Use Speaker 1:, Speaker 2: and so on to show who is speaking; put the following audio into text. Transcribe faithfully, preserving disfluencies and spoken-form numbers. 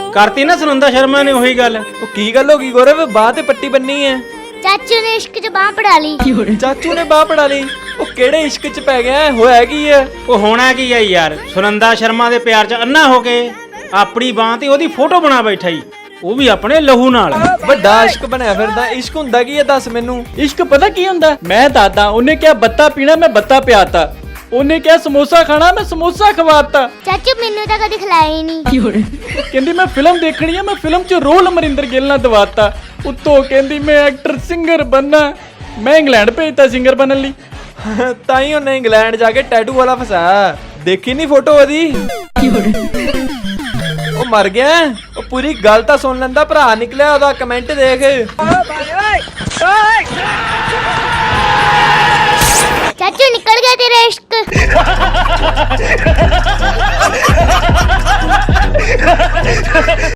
Speaker 1: ਕਰਤੀ ਨਾ ਸੁਨੰਦਾ ਸ਼ਰਮਾ ਨੇ ਉਹੀ ਗੱਲ।
Speaker 2: ਉਹ ਕੀ ਗੱਲ ਹੋ ਗਈ ਗੌਰਵ, ਬਾਹ ਤੇ ਪੱਟੀ ਬੰਨੀ ਹੈ?
Speaker 3: ਚਾਚੂ ਨੇ ਇਸ਼ਕ ਚ ਬਾਹ ਪੜਾ ਲਈ।
Speaker 2: ਚਾਚੂ ਨੇ ਬਾਹ ਪੜਾ ਲਈ? ਉਹ ਕਿਹੜੇ ਇਸ਼ਕ ਚ ਪੈ ਗਿਆ? ਹੋਇਆ ਕੀ ਹੈ?
Speaker 1: ਉਹ ਹੋਣਾ ਕੀ ਆ ਯਾਰ, ਸੁਨੰਦਾ ਸ਼ਰਮਾ ਦੇ ਪਿਆਰ ਚ ਅੰਨਾ ਹੋ ਕੇ ਆਪਣੀ ਬਾਹ ਤੇ ਉਹਦੀ ਫੋਟੋ ਬਣਾ ਬੈਠਾ ਹੀ, ਉਹ ਵੀ ਆਪਣੇ ਲਹੂ ਨਾਲ।
Speaker 2: ਵੱਡਾ ਇਸ਼ਕ ਬਣਿਆ ਫਿਰਦਾ। ਇਸ਼ਕ ਹੁੰਦਾ ਕੀ ਹੈ ਦੱਸ ਮੈਨੂੰ।
Speaker 4: ਇਸ਼ਕ ਪਤਾ ਕੀ ਹੁੰਦਾ? ਮੈਂ ਦਾਦਾ, ਉਹਨੇ ਕਿਹਾ ਬੱਤਾ ਪੀਣਾ, ਮੈਂ ਬੱਤਾ ਪਿਆਤਾ। ਉਹਨੇ ਕਿਹਾ ਸਮੋਸਾ ਖਾਣਾ, ਮੈਂ ਸਮੋਸਾ ਖਵਾਤਾ।
Speaker 3: ਚਾਚੂ ਮੈਨੂੰ ਤਾਂ ਕਦੇ ਖਿਲਾਇਆ ਹੀ ਨਹੀਂ।
Speaker 4: ਕਹਿੰਦੀ ਮੈਂ ਫਿਲਮ ਦੇਖਣੀ ਆ, ਮੈਂ ਫਿਲਮ 'ਚ ਰੋਲ ਅਮਰਿੰਦਰ ਗਿੱਲ ਨਾਲ ਦਵਾਤਾ। ਉੱਤੋਂ ਕਹਿੰਦੀ ਮੈਂ ਐਕਟਰ ਸਿੰਗਰ ਬਣਨਾ, ਮੈਂ ਇੰਗਲੈਂਡ ਭੇਜਤਾ ਸਿੰਗਰ ਬਣਨ ਲਈ।
Speaker 2: ਤਾਂ ਹੀ ਉਹਨੇ ਇੰਗਲੈਂਡ ਜਾ ਕੇ ਟੈਟੂ ਵਾਲਾ ਫਸਾਇਆ। ਦੇਖੀ ਨਹੀਂ ਫੋਟੋ ਉਹਦੀ? ਉਹ ਮਰ ਗਿਆ। ਉਹ ਪੂਰੀ ਗੱਲ ਤਾਂ ਸੁਣ ਲੈਂਦਾ, ਭਰਾ ਨਿਕਲਿਆ ਉਹਦਾ। ਕਮੈਂਟ ਦੇਖ।
Speaker 3: ਚਾਚੂ ਨਿਕਲ ਗਿਆ ਤੇਰਾ ਇਸ਼ਕ।